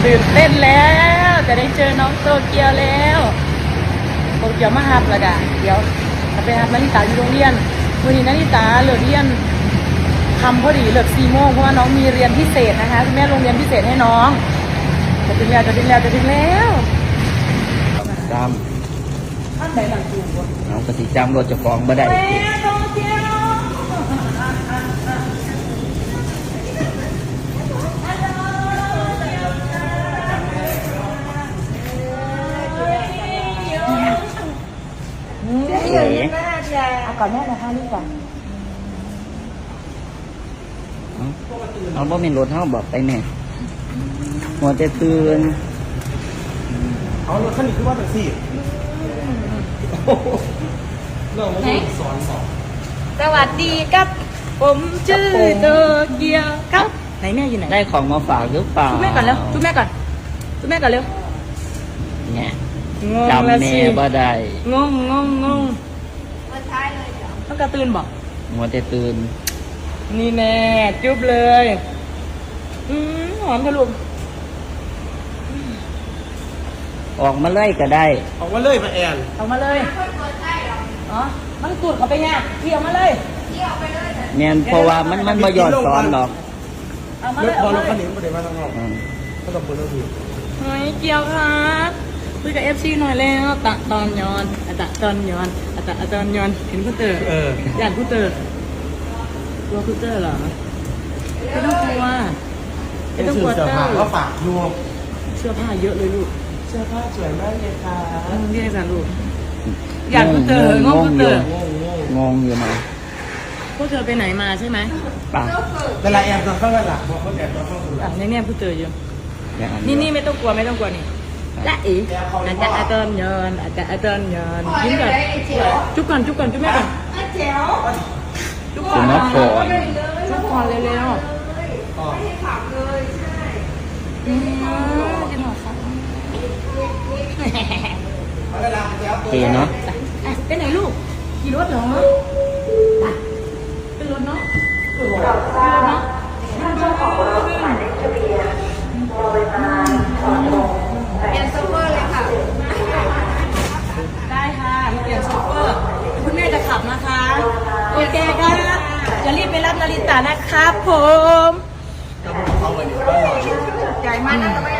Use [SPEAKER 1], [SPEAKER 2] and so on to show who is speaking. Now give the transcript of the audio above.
[SPEAKER 1] ตื่นเต้นแล้วจะได้เจอน้องโตเกียวแล้วโตเกียวมาฮับแล้วกะเดี๋ยวจะไปฮับนาริตาอยู่โรงเรียนวันนี้นาริตาเลิกเรียนทำพอดีเลิก4 โมงเพราะว่าน้องมีเรียนพิเศษนะคะคุณแม่โรงเรียนพิเศษให้น้องจะถึงแล้ว
[SPEAKER 2] ตาม
[SPEAKER 1] ท่านไหนหลังจูบ
[SPEAKER 2] น้องกสิจำรถเจ้าของบ่ได้
[SPEAKER 1] แม่โตเกียว
[SPEAKER 2] เอ๋
[SPEAKER 1] เอาก่อนแม่นะคะนี่ก่อน
[SPEAKER 2] เอาบ่เป็นรถเฮาบอกไปแม่หัวแต่ตื่น
[SPEAKER 3] เอารถคันนี้คือว่าแท็กซี่เรื่องมันสอน
[SPEAKER 1] สวัสดีครับผมชื่อโตเกียวครับไหนแม่อยู่ไหน
[SPEAKER 2] ได้ของมาฝากหรือเปล่า
[SPEAKER 1] จุ๊บแม่ก่อนเร็วจุ๊บแม่ก่อนเร็ว
[SPEAKER 2] เนี่ย
[SPEAKER 1] งง
[SPEAKER 2] จำ
[SPEAKER 1] แล้ว
[SPEAKER 2] แม่
[SPEAKER 1] สิ
[SPEAKER 2] บ่ได้
[SPEAKER 1] งงต้องกระตือนบอก
[SPEAKER 2] หัวแต่ตื่น
[SPEAKER 1] นี่แน่จุ๊บเลยหอมทะลุ
[SPEAKER 2] ออกมาเลยก็ได้
[SPEAKER 3] ออกมาเลยมาแอน
[SPEAKER 1] เอามาเลยอ๋อมันตูดเขาไปเนี่ยพี่เอามาเลย
[SPEAKER 2] แม่นเพราะว่ามันบ่ย้อนสอนหรอก
[SPEAKER 1] เอามาร เลย
[SPEAKER 3] ถพอ
[SPEAKER 1] เอา
[SPEAKER 3] ร
[SPEAKER 1] มา
[SPEAKER 3] ถ
[SPEAKER 1] เล
[SPEAKER 3] คัน
[SPEAKER 1] ย
[SPEAKER 3] นี้ไม่ได้มาทางนอก
[SPEAKER 2] อืม
[SPEAKER 3] ก็ต้องเปิดรถที
[SPEAKER 1] เฮ้ยเกียวครับคุยกับFCหน่อยแล้วตะตอนย้อนตอนย้อนตอนย้อนเห็นคุณเตอร์อยากคุณเตอร์กลัวคุณเตอร์เหรอไม่ต้องกลัวไม่ต้องกลัว
[SPEAKER 3] เสื้อ
[SPEAKER 1] เตอ
[SPEAKER 3] ผ้า
[SPEAKER 1] ร์
[SPEAKER 3] ก็ฝากดู
[SPEAKER 1] เสื้อผ้าเยอะเลยลูก
[SPEAKER 3] เสื้อผ้าสวยมากเลยค่ะ
[SPEAKER 1] เรียกกันลูกอยากคุณเตอร์งงคุณเตอร์
[SPEAKER 2] งงอยู่นะ
[SPEAKER 1] พวกเธอไปไหนมาใช่ไหม
[SPEAKER 2] ป่ะ
[SPEAKER 3] แต่ละแอนตอนข้างหลังบอกเขาแอนตอนข้างหลัง
[SPEAKER 1] เนี่ยคุณเตอร์อยู่
[SPEAKER 2] อย่างอัน
[SPEAKER 1] นี่ไม่ต้องกลัวนี่ละอีอาจารย์ยอนยิ้มก่อนจุ๊บก่อนจุ๊บแม่ก่อนจุ๊บก่
[SPEAKER 2] คุ
[SPEAKER 1] อน
[SPEAKER 2] ณนพร
[SPEAKER 1] จุ๊บก่อนเร็ว
[SPEAKER 3] อ๋อ
[SPEAKER 1] ๆกินหอมครับ
[SPEAKER 2] โอเคเนาะ
[SPEAKER 1] ไปไหนลูกขี่รถเหรอเป็นรถเนาะได้ค่ะเปลี่ยนโชเฟอร์คุณแม่จะขับนะคะโอเคครับจะรีบไปรับนาริตานะครับผม
[SPEAKER 3] เขาวันนี้ก็หล่อ
[SPEAKER 1] ใหญ่มากนะทำไม